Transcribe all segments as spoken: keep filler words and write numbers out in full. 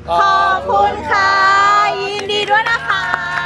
ขอบคุณค่ะยินดีด้วยนะคะ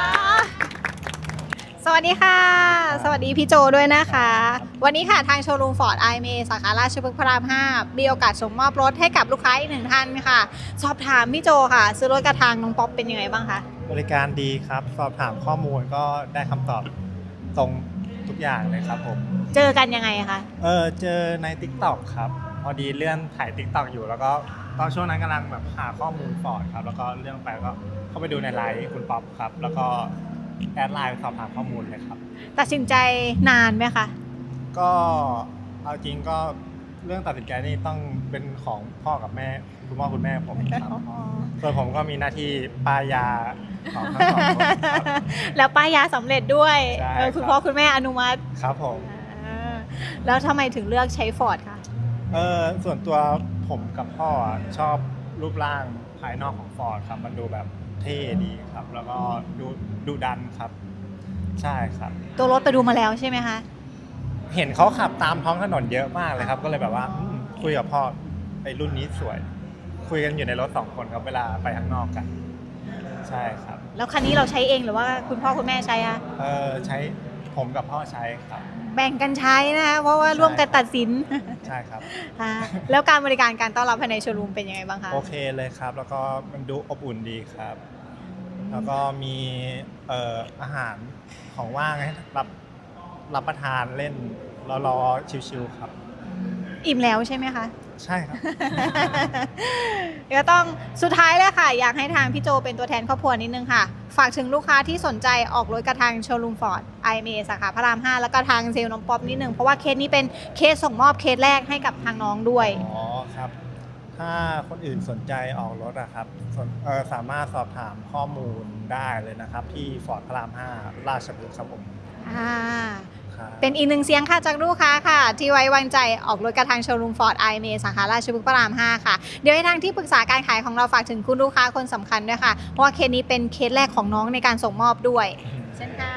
สวัสดีค่ะสวัสดีพี่โจด้วยนะคะวันนี้ค่ะทางโชว์รูมฟอร์ดไอเมสาขาราชพฤกษ์พระรามห้ามีโอกาสส่งมอบรถให้กับลูกค้าอีกหนึ่งท่านค่ะสอบถามพี่โจค่ะซื้อรถกระทางน้องป๊อปเป็นยังไงบ้างคะบริการดีครับสอบถามข้อมูลก็ได้คำตอบตรงทุกอย่างเลยครับผมเจอกันยังไงคะเออเจอใน ติ๊กต็อก ครับพอดีเลื่อนถ่าย ติ๊กต็อก อยู่แล้วก็ตอนช่วงนั้นกำลังแบบหาข้อมูลฟอร์ดครับแล้วก็เรื่องไปก็เข้าไปดูในไลน์คุณป๊อปครับแล้วก็แอดไลน์สอบถามข้อมูลเลยครับตัดสินใจนานไหมคะก็เอาจริงก็เรื่องตัดสินใจนี่ต้องเป็นของพ่อกับแม่คุณพ่อคุณแม่ผมครับส่วนผมก็มีหน้าที่ป้ายยาของทั้งสองคนครับแล้วป้ายยาสำเร็จด้วยใช่คุณพ่อคุณแม่อนุมัติครับผมแล้วทำไมถึงเลือกใช้ฟอร์ดคะเออส่วนตัวผมกับพ่อชอบรูปร่างภายนอกของฟอร์ดครับมันดูแบบเท่ดีครับแล้วก็ดูดูดันครับใช่ครับตัวรถไปดูมาแล้วใช่ไหมคะเห็นเขาขับตามท้องถนนเยอะมากเลยครับก็เลยแบบว่าคุยกับพ่อไอ้รุ่นนี้สวยคุยกันอยู่ในรถสองคนครับเวลาไปข้างนอกกันใช่ครับแล้วคันนี้เราใช้เองหรือว่าคุณพ่อคุณแม่ใช้คะเออใช้ผมกับพ่อใช้ครับแบ่งกันใช้นะคะเพราะว่าร่วมกันตัดสินใช่ครับแล้วการบริการการต้อนรับภายในโชว์รูมเป็นยังไงบ้างคะโอเคเลยครับแล้วก็มันดูอบอุ่นดีครับแล้วก็มีเอ่ออาหารของว่างให้รับรับประทานเล่นรอๆชิวๆครับอิ่มแล้วใช่ไหมคะใช่ครับก็ต้องสุดท้ายเลยค่ะอยากให้ทางพี่โจเป็นตัวแทนครอบครัวนิดนึงค่ะฝากถึงลูกค้าที่สนใจออกรถกระทางโชว์รูมฟอร์ด ไอ เอ็ม เอ สาขาพระรามห้าแล้วก็ทางเซลล์น้องป๊อปนิดนึงเพราะว่าเคสนี้เป็นเคสส่งมอบเคสแรกให้กับทางน้องด้วยอ๋อครับถ้าคนอื่นสนใจออกรถอะครับเอ่อสามารถสอบถามข้อมูลได้เลยนะครับที่ฟอร์ดพระรามห้าราชพฤกษ์ครับผมอ่าเป็นอีกหนึ่งเสียงค่ะจากลูกค้าค่ะที่ไว้วางใจออกรถกระทางโชว์รูมฟอร์ด ไอ เอ็ม เอ สาขาราชพฤกษ์พระรามห้าค่ะเดี๋ยวให้ทางที่ปรึกษาการขายของเราฝากถึงคุณลูกค้าคนสำคัญด้วยค่ะเพราะว่าเคสนี้เป็นเคสแรกของน้องในการส่งมอบด้วยเช่นค่ะ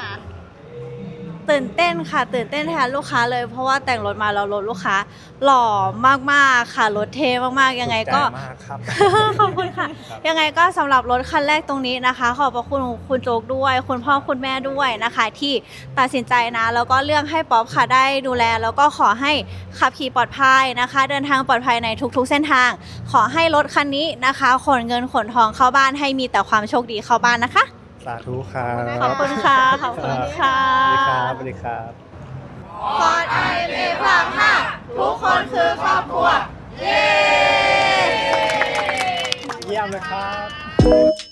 ตื่นเต้นค่ะตื่นเต้นแทนลูกค้าเลยเพราะว่าแต่งรถมาแล้วรถลูกค้าหล่อมากๆค่ะรถเท่มากๆยังไงก็ขอบคุณค่ะยังไงก็สำหรับรถคันแรกตรงนี้นะคะขอบพระคุณคุณโจ๊กด้วยคุณพ่อคุณแม่ด้วยนะคะที่ตัดสินใจนะแล้วก็เลือกให้ป๊อปค่ะได้ดูแลแล้วก็ขอให้ขับขี่ปลอดภัยนะคะเดินทางปลอดภัยในทุกๆเส้นทางขอให้รถคันนี้นะคะขนเงินขนทองเข้าบ้านให้มีแต่ความโชคดีเข้าบ้านนะคะสาธุครับขอบคุณค่ะขอบคุณค่ะสวัสดีครับสวัสดีครับฟอร์ด ไอ เอ็ม เอ พระรามห้าทุกคนคือครอบครัวเย้เยี่ยมเลยครับ